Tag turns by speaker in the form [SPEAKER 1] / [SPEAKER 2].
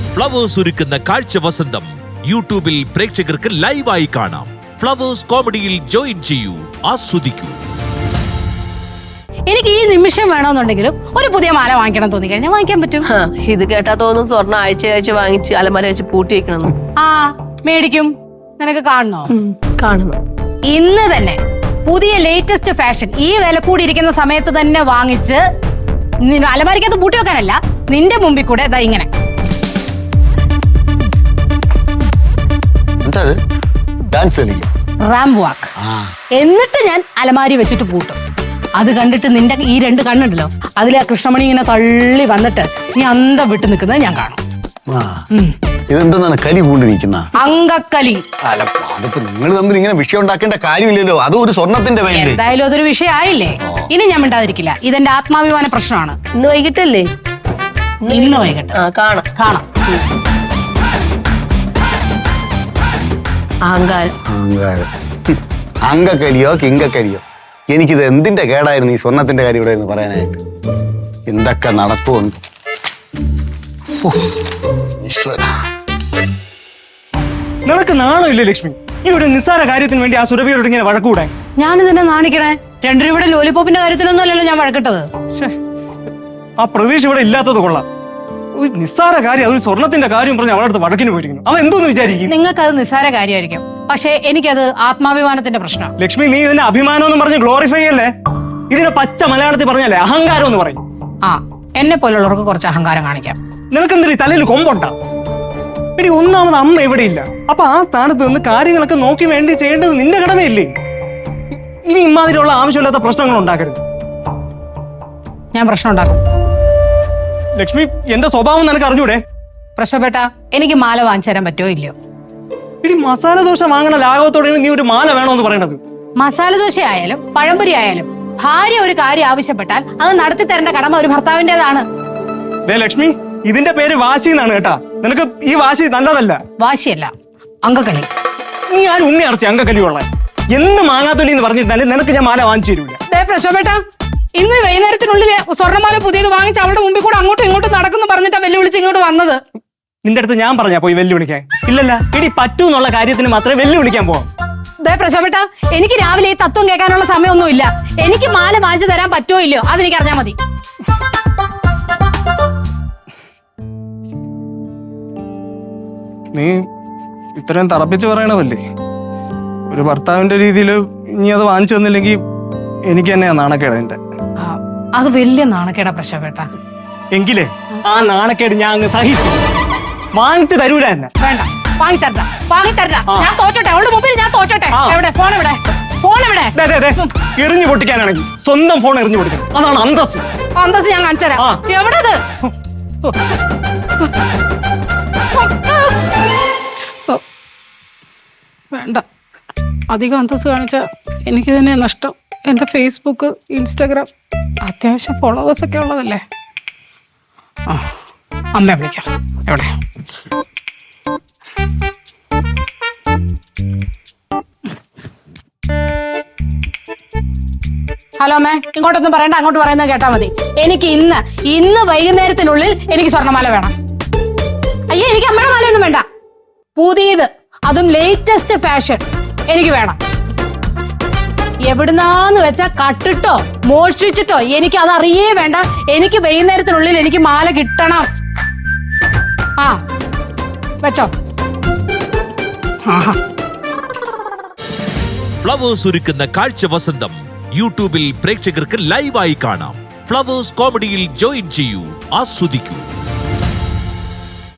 [SPEAKER 1] Flowers ഒരുക്കുന്ന കാഴ്ച വസന്തം യൂട്യൂബിൽ പ്രേക്ഷകർക്ക് ലൈവായി കാണാം. ഫ്ലവേഴ്സ് കോമഡിയിൽ ജോയിൻ ചെയ്യൂ, ആസ്വദിക്കൂ.
[SPEAKER 2] എനിക്ക് ഈ നിമിഷം വേണമെന്നുണ്ടെങ്കിലും ഒരു പുതിയ മാല വാങ്ങിക്കണം തോന്നി കഴിഞ്ഞാൽ വാങ്ങിക്കാൻ പറ്റും.
[SPEAKER 3] ഇത് കേട്ടാ തോന്നുന്നു സ്വർണ്ണം ആഴ്ച വാങ്ങിച്ച് അലമാര വെച്ച് പൂട്ടി വെക്കണം.
[SPEAKER 2] ആ മേടിക്കും. നിനക്ക് കാണണോ?
[SPEAKER 3] കാണണം.
[SPEAKER 2] ഇന്ന് തന്നെ പുതിയ ലേറ്റസ്റ്റ് ഫാഷൻ ഈ വില കൂടിയിരിക്കുന്ന സമയത്ത് തന്നെ വാങ്ങിച്ച് അലമാരിക്കകത്ത് പൂട്ടി വെക്കാനല്ല, നിന്റെ മുമ്പിൽ കൂടെ ഇതാ ഇങ്ങനെ റാമ്പ് വാക്ക്. എന്നിട്ട് ഞാൻ അലമാരി വെച്ചിട്ട് പൂട്ടും. അത് കണ്ടിട്ട് നിന്റെ ഈ രണ്ട് കണ്ണുണ്ടല്ലോ, അതിലെ ആ കൃഷ്ണമണി ഇങ്ങനെ തള്ളി വന്നിട്ട് നീ അന്തം വിട്ട് നിൽക്കുന്നത് ഞാൻ കാണും.
[SPEAKER 4] ഇതെന്താണ് കലി പൂണ്ട് നിൽക്കുന്ന
[SPEAKER 2] അങ്കക്കലി?
[SPEAKER 4] അതിപ്പോ നിങ്ങൾ തമ്മിൽ ഇങ്ങനെ വിഷയം ഉണ്ടാക്കേണ്ട കാര്യമില്ലല്ലോ. അതും ഒരു സ്വർണത്തിന്റെ പേരിൽ.
[SPEAKER 2] എന്തായാലും അതൊരു വിഷയമായില്ലേ, ഇനി ഞാൻ മിണ്ടാതിരിക്കില്ല. ഇതെന്റെ ആത്മാഭിമാന പ്രശ്നമാണ്.
[SPEAKER 3] ഇന്ന് വൈകിട്ടല്ലേ?
[SPEAKER 2] ഇന്ന് വൈകിട്ട്
[SPEAKER 3] കാണാം.
[SPEAKER 2] കാണാം.
[SPEAKER 3] അഹങ്കാരം.
[SPEAKER 4] അങ്കക്കലിയോ കിങ്കക്കലിയോ, എനിക്കിത് എന്തിന്റെ കേടായിരുന്നു ഈ സ്വർണത്തിന്റെ കാര്യം ഇവിടെ പറയാനായിട്ട്. എന്തൊക്കെ നടപ്പുണ്ട്.
[SPEAKER 5] നിനക്ക് നാണോ ഇല്ലേ ലക്ഷ്മി? ഈ ഒരു നിസ്സാര കാര്യത്തിന് വേണ്ടി ആ സുരഭിയോട് ഇങ്ങനെ വഴക്കൂടാൻ?
[SPEAKER 2] ഞാൻ ഇതിനെ നാണിക്കണേ? 2 രൂപയുടെ ലോലിപോപ്പിന്റെ കാര്യത്തിലൊന്നും അല്ലല്ലോ ഞാൻ വഴക്കിട്ടത്.
[SPEAKER 5] ആ പ്രതീക്ഷ ഇവിടെ ഇല്ലാത്തത് കൊള്ളാം. ഒരു നിസ്സാര കാര്യം, ഒരു സ്വർണത്തിന്റെ കാര്യം പറഞ്ഞ് അവളുടെ അടുത്ത് വഴക്കിന് പോയിരിക്കുന്നു. അവൻ എന്തോന്ന് വിചാരിക്കും?
[SPEAKER 2] നിങ്ങൾക്ക് അത് നിസ്സാര കാര്യമായിരിക്കും, പക്ഷെ എനിക്കത് ആത്മാഭിമാനത്തിന്റെ പ്രശ്നം.
[SPEAKER 5] ലക്ഷ്മി, നീ ഇതിന്റെ അഭിമാനം എന്ന് പറഞ്ഞ് ഗ്ലോറിഫൈ അല്ലേ? ഇതിനെ പച്ച മലയാളത്തിൽ പറഞ്ഞല്ലേ അഹങ്കാരം എന്ന് പറയും.
[SPEAKER 2] ആ, എന്നെ പോലുള്ളവർക്ക് കുറച്ച് അഹങ്കാരം കാണിക്കാം.
[SPEAKER 5] നിനക്കെന്തിരീ തലയിൽ കൊമ്പുണ്ടാ? എടി, ഒന്നാമത് അമ്മ എവിടെ ഇല്ല. അപ്പൊ ആ സ്ഥാനത്ത് നിന്ന് കാര്യങ്ങളൊക്കെ നോക്കി വേണ്ടി ചെയ്യേണ്ടത് നിന്റെ കടമയില്ലേ? ഇനി ഇമാതിരിയുള്ള ആവശ്യമില്ലാത്ത പ്രശ്നങ്ങൾ ഉണ്ടാക്കരുത്.
[SPEAKER 2] ഞാൻ പ്രശ്നം ഉണ്ടാക്കും.
[SPEAKER 5] ലക്ഷ്മി, എന്റെ സ്വഭാവം നിനക്ക് അറിഞ്ഞൂടെ?
[SPEAKER 2] പ്രശ്നപ്പെട്ട എനിക്ക് മാല വാങ്ങിച്ചു തരാൻ പറ്റുമോ ഇല്ലയോ?
[SPEAKER 5] ഇടി, മസാല ദോശ വാങ്ങണ ലാഘവത്തോടെയാണ് നീ ഒരു മാല വേണോന്ന് പറയണത്.
[SPEAKER 2] മസാല ദോശ ആയാലും പഴംപൊരി ആയാലും ഭാര്യ ഒരു കാര്യം ആവശ്യപ്പെട്ടാൽ അത് നടത്തി തരേണ്ട കടമ ഒരു ഭർത്താവിന്റേതാണ്.
[SPEAKER 5] ലക്ഷ്മി, ഇതിന്റെ പേര് വാശി എന്നാണ് കേട്ടാ. നിനക്ക് ഈ വാശി നല്ലതല്ല.
[SPEAKER 2] വാശിയല്ല, അങ്കക്കലി.
[SPEAKER 5] നീ ആരും ഉണ്ണി അറച്ചി അങ്കക്കലിയുള്ള എന്ന് മാങ്ങാത്തൊലി എന്ന് പറഞ്ഞിട്ടാലും നിനക്ക് ഞാൻ മാല വാങ്ങിച്ചു തരൂല.
[SPEAKER 2] പ്രശ്നപ്പെട്ട ഇന്ന് വൈകുന്നേരത്തിനുള്ളിൽ സ്വർണ്ണമാല പുതിയത് വാങ്ങിച്ച് അവളുടെ മുമ്പിൽ കൂടെ അങ്ങോട്ടും ഇങ്ങോട്ടും നടക്കുന്നു പറഞ്ഞിട്ടാ വെല്ലുവിളിച്ച് ഇങ്ങോട്ട് വന്നത്.
[SPEAKER 5] നിന്റെ അടുത്ത് ഞാൻ പറഞ്ഞാ പോയി വെല്ലുവിളിക്കാൻ? ഇല്ലല്ല, ഇടി പറ്റൂ എന്നുള്ള കാര്യത്തിന് മാത്രമേ വെല്ലുവിളിക്കാൻ പോവാം.
[SPEAKER 2] പ്രശ്നപ്പെട്ട എനിക്ക് രാവിലെ ഈ തത്വം കേൾക്കാനുള്ള സമയമൊന്നുമില്ല. എനിക്ക് മാല വാങ്ങിച്ചു തരാൻ പറ്റുമോ ഇല്ലയോ അതെനിക്ക് അറിഞ്ഞാൽ മതി.
[SPEAKER 5] നീ ഇത്രയും തറപ്പിച്ച് പറയണതല്ലേ? ഒരു ഭർത്താവിന്റെ രീതിയിൽ ഇനി അത് വാങ്ങിച്ചു തന്നില്ലെങ്കിൽ എനിക്ക് തന്നെയാ നാണക്കേട്. നിന്റെ
[SPEAKER 2] അത് വലിയ നാണക്കേടാ പ്രശ്നപ്പെട്ട.
[SPEAKER 5] എങ്കിലേ ആ നാണക്കേട് ഞാൻ അങ്ങ് സഹിച്ചു. വാങ്ങിച്ചു തരൂല എന്നെ.
[SPEAKER 2] വേണ്ട, വാങ്ങിത്തരണ്ട. ഞാൻ തോറ്റോട്ടെ, അവളുടെ മുമ്പിൽ ഞാൻ തോറ്റോട്ടെ. എവിടെ ഫോൺ? എവിടെ ഫോൺ? എവിടെ?
[SPEAKER 5] എറിഞ്ഞു പൊട്ടിക്കാനാണെങ്കിൽ സ്വന്തം ഫോൺ എറിഞ്ഞു പൊട്ടിക്കണം. അതാണ് അന്തസ്.
[SPEAKER 2] അന്തസ് ഞാൻ കാണിച്ചു തരാം. എവിടെ? വേണ്ട, അധികം അന്തസ് കാണിച്ച എനിക്ക് തന്നെ നഷ്ടം. എന്റെ ഫേസ്ബുക്ക്, ഇൻസ്റ്റാഗ്രാം അത്യാവശ്യം ഫോളോവേഴ്സ് ഒക്കെ ഉള്ളതല്ലേ. അമ്മയെ വിളിക്കാം. എവിടെ? ഹലോ അമ്മേ, ഇങ്ങോട്ടൊന്നും പറയണ്ട, അങ്ങോട്ട് പറയുന്നത് കേട്ടാ മതി. എനിക്ക് ഇന്ന് വൈകുന്നേരത്തിനുള്ളിൽ എനിക്ക് സ്വർണ്ണമാല വേണം. അയ്യോ, എനിക്ക് അമ്മയുടെ മാലയൊന്നും വേണ്ട. പുതിയത്, അതും ലേറ്റസ്റ്റ് ഫാഷൻ എനിക്ക് വേണം. എവിടുന്നാന്ന് വെച്ചാ കട്ടിട്ടോ മോഷ്ടിച്ചിട്ടോ എനിക്ക് അതറിയേ വേണ്ട. എനിക്ക് വൈകുന്നേരത്തിനുള്ളിൽ എനിക്ക് മാല കിട്ടണം. ആ വെച്ചോ.
[SPEAKER 1] ഫ്ലവേഴ്സ് ഒരുക്കുന്ന കാഴ്ച വസന്തം യൂട്യൂബിൽ പ്രേക്ഷകർക്ക് ലൈവായി കാണാം. ഫ്ലവേഴ്സ് കോമഡിയിൽ ജോയിൻ ചെയ്യൂ, ആസ്വദിക്കൂ.